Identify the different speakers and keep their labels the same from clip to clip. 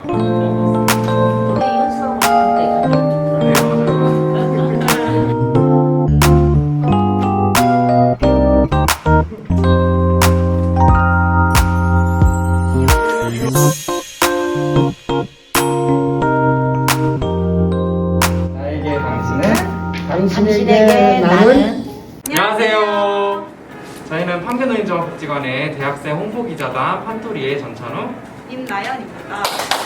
Speaker 1: 나에게 당신은
Speaker 2: 당신에게 나는.
Speaker 1: 안녕하세요. 저희는 판교노인종합복지관의 대학생 홍보기자단 판토리의 전찬우,
Speaker 3: 임나연입니다.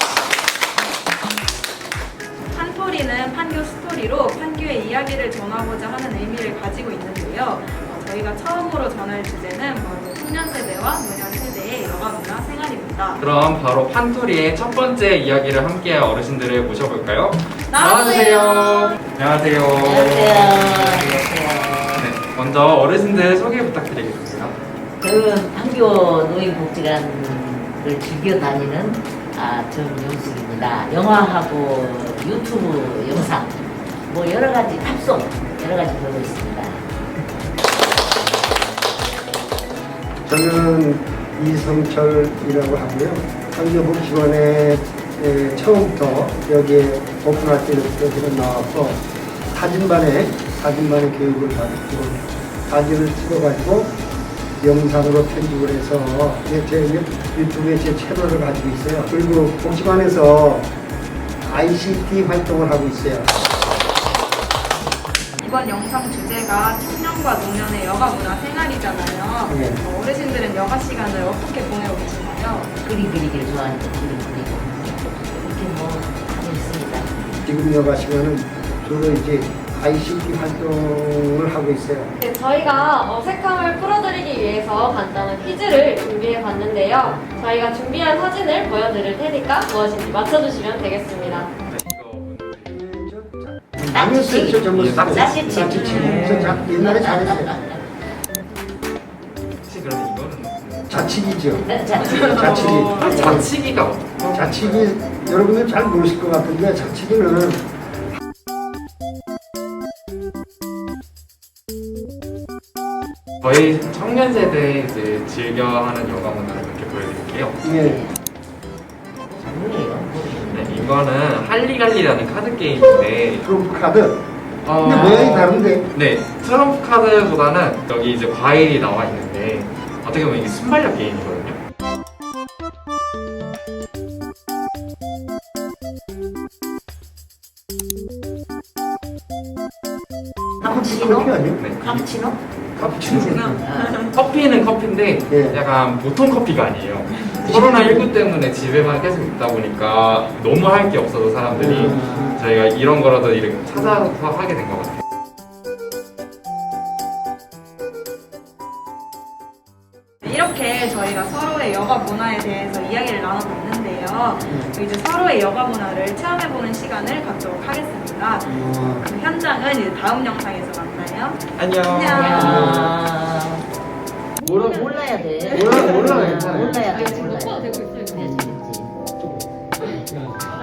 Speaker 3: 판토리는 판교 스토리로 판교의 이야기를 전하고자 하는 의미를 가지고 있는데요. 저희가 처음으로 전할 주제는 바로 청년 세대와 노년 세대의 여가 문화 생활입니다.
Speaker 1: 그럼 바로 판토리의 첫 번째 이야기를 함께할 어르신들을 모셔볼까요?
Speaker 3: 나와주세요.
Speaker 1: 안녕하세요. 네, 먼저 어르신들 소개 부탁드리겠습니다.
Speaker 2: 저는 판교 노인복지관을 즐겨 다니는 정영숙입니다. 영화하고 유튜브 영상, 뭐 여러 가지 팝송 여러 가지 보고 있습니다.
Speaker 4: 저는 이성철이라고 하고요. 판교복지관에 처음부터 여기에 오픈할 때부터 제가 나와서 사진반에 교육을 받고 사진을 찍어가지고 영상으로 편집을 해서 제 유튜브에 제 채널을 가지고 있어요. 그리고 복지관에서 ICT 활동을 하고 있어요.
Speaker 3: 이번 영상 주제가 청년과 노년의 여가 문화 생활이잖아요.
Speaker 4: 네.
Speaker 3: 어르신들은 여가 시간을 어떻게 보내고 계시나요?
Speaker 2: 그림 그리기를 좋아하니까 그림 그리고 이렇게 뭐 하고 있습니다.
Speaker 4: 지금 여가 시간은 주로 이제 ICT 활동을 하고 있어요.
Speaker 5: 네, 저희가 어색함을 풀어드리기 위해서 간단한 퀴즈를 준비해 봤는데요. 저희가 준비한 사진을 보여드릴 테니까 무엇인지 맞춰주시면 되겠습니다.
Speaker 4: 나눴어요. 저 전부
Speaker 2: 짜치치.
Speaker 4: 저 옛날에 잘했어요.
Speaker 1: 혹시 그러면 이거는
Speaker 4: 자치기죠.
Speaker 2: 자치기.
Speaker 1: 자치기가 어떻게?
Speaker 4: 자치기 여러분들 잘 모르실 것 같은데 자치기는
Speaker 1: 저희 청년 세대 이제 즐겨하는 여가 문화를 몇 개 보여드릴게요.
Speaker 4: 예,
Speaker 2: 뭐예요?
Speaker 1: 네, 이거는 할리갈리라는 카드 게임인데,
Speaker 4: 트럼프 카드.
Speaker 1: 어,
Speaker 4: 근데 모양이 다른데.
Speaker 1: 네, 트럼프 카드보다는 여기 이제 과일이 나와 있는데 어떻게 보면 이게 순발력 게임이거든요.
Speaker 2: 카푸치노?
Speaker 4: 커피 아니에요?
Speaker 1: 네,
Speaker 2: 카푸치노?
Speaker 4: 카푸치노.
Speaker 1: 커피는 커피인데
Speaker 4: 예.
Speaker 1: 약간 보통 커피가 아니에요. 코로나19 때문에 집에만 계속 있다 보니까 너무 할 게 없어서 사람들이 저희가 이런 거라도 이렇게 찾아서 하게 된 것 같아요.
Speaker 3: 이렇게 저희가 서로의 여가 문화에 대해서 이야기를 나눠봤는데요. 이제 서로의 여가 문화를 체험해보는 시간을 갖도록 하겠습니다. 그 현장은 이제 다음 영상에서 만나요.
Speaker 1: 안녕.
Speaker 2: 야. 몰라야 돼.
Speaker 4: 몰라야 돼.
Speaker 2: 몰라야 돼.
Speaker 5: 지금 녹화가 되고 있어요.
Speaker 2: 그래야지.